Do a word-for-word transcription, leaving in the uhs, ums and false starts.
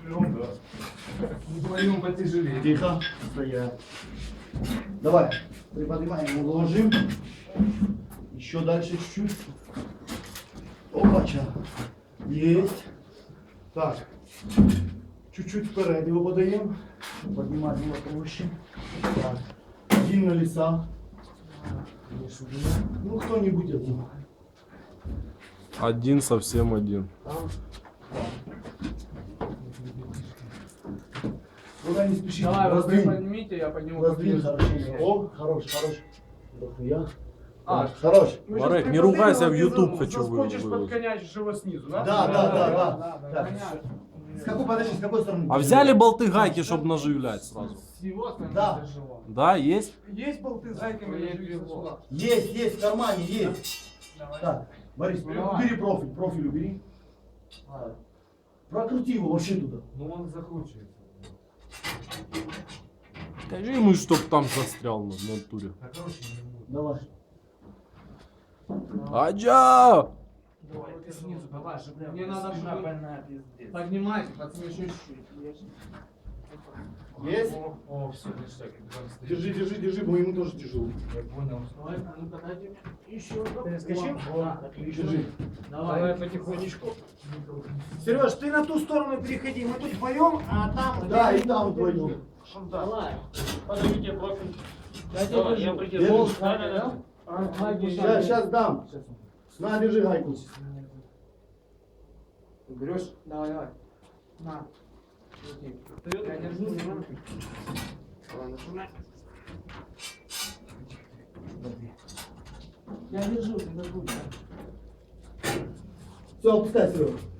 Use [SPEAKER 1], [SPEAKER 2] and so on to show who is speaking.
[SPEAKER 1] Вдвоем, да. Вдвоем потяжелее.
[SPEAKER 2] Тихо. Стоять. Давай. Приподнимаем, уложим. Еще дальше чуть-чуть. Опача. Есть. Так. Чуть-чуть вперед его подаем. Поднимать его проще. Так. Один на леса. Ну, кто-нибудь один.
[SPEAKER 3] Один, совсем один.
[SPEAKER 2] Куда не спешите.
[SPEAKER 1] Давай, вы
[SPEAKER 2] Раздвинь.
[SPEAKER 1] поднимите, я подниму.
[SPEAKER 2] Раздвинь
[SPEAKER 1] поближе.
[SPEAKER 2] хорошо. О, хорош, хорош. Дохуя.
[SPEAKER 1] А,
[SPEAKER 2] Хорош.
[SPEAKER 1] мы
[SPEAKER 3] Марек,
[SPEAKER 1] щас
[SPEAKER 3] не
[SPEAKER 1] при
[SPEAKER 3] ругайся, в
[SPEAKER 1] последнем
[SPEAKER 3] YouTube
[SPEAKER 1] ты
[SPEAKER 3] хочу вы-
[SPEAKER 1] заскочишь,
[SPEAKER 3] выложить.
[SPEAKER 1] подконячишь его снизу, да?
[SPEAKER 2] Да, да, да, да.
[SPEAKER 1] да,
[SPEAKER 2] Так.
[SPEAKER 1] понятно.
[SPEAKER 2] С какой, подожди, с какой стороны?
[SPEAKER 3] А взяли болты гайки, чтобы наживлять сразу?
[SPEAKER 1] С его стороны
[SPEAKER 2] Да.
[SPEAKER 1] тяжело.
[SPEAKER 3] Да, есть?
[SPEAKER 1] Есть болты с гайками или
[SPEAKER 4] Есть
[SPEAKER 1] живи
[SPEAKER 4] его.
[SPEAKER 2] Есть, есть, в кармане, есть.
[SPEAKER 1] Давай.
[SPEAKER 2] Так, Борис,
[SPEAKER 1] Ну, давай.
[SPEAKER 2] убери профиль, профиль убери. А, Прокрути его вообще туда.
[SPEAKER 4] Ну он закручивается.
[SPEAKER 3] Скажи ему, чтоб там застрял на натуре.
[SPEAKER 4] Так короче не будет.
[SPEAKER 2] Давай.
[SPEAKER 3] Аджа!
[SPEAKER 1] Давай, ты снизу, давай, чтобы мне
[SPEAKER 4] Мне
[SPEAKER 1] надо,
[SPEAKER 4] спина
[SPEAKER 1] чтобы
[SPEAKER 4] больная, пиздец.
[SPEAKER 1] поднимайте, пацаны, еще чуть-чуть.
[SPEAKER 2] Есть?
[SPEAKER 4] О, о, все, ништяк. Иван стоит.
[SPEAKER 2] Держи, держи, держи, бо ему тоже тяжело.
[SPEAKER 4] Я понял.
[SPEAKER 1] Давай, а ну-ка дайте еще.
[SPEAKER 4] Перескочил?
[SPEAKER 1] Да,
[SPEAKER 2] Держи.
[SPEAKER 1] отлично.
[SPEAKER 4] Давай
[SPEAKER 1] Давай.
[SPEAKER 4] потихонечку.
[SPEAKER 1] Сереж, ты на ту сторону переходи, мы тут вдвоем, а там...
[SPEAKER 2] Да, и там вдвоем.
[SPEAKER 1] Давай.
[SPEAKER 4] Подождите, профиль.
[SPEAKER 1] Я тебя
[SPEAKER 4] Давай,
[SPEAKER 1] держу.
[SPEAKER 4] я придержу.
[SPEAKER 2] Держишь?
[SPEAKER 4] Да, да, да.
[SPEAKER 1] А,
[SPEAKER 2] Сейчас, сейчас дам. На, держи гайку.
[SPEAKER 1] Берешь? Давай, давай. На. Крути. Я держу, не надо. Давай, нажимай. Я держу, ты держу.
[SPEAKER 2] Все, опускай, Серега.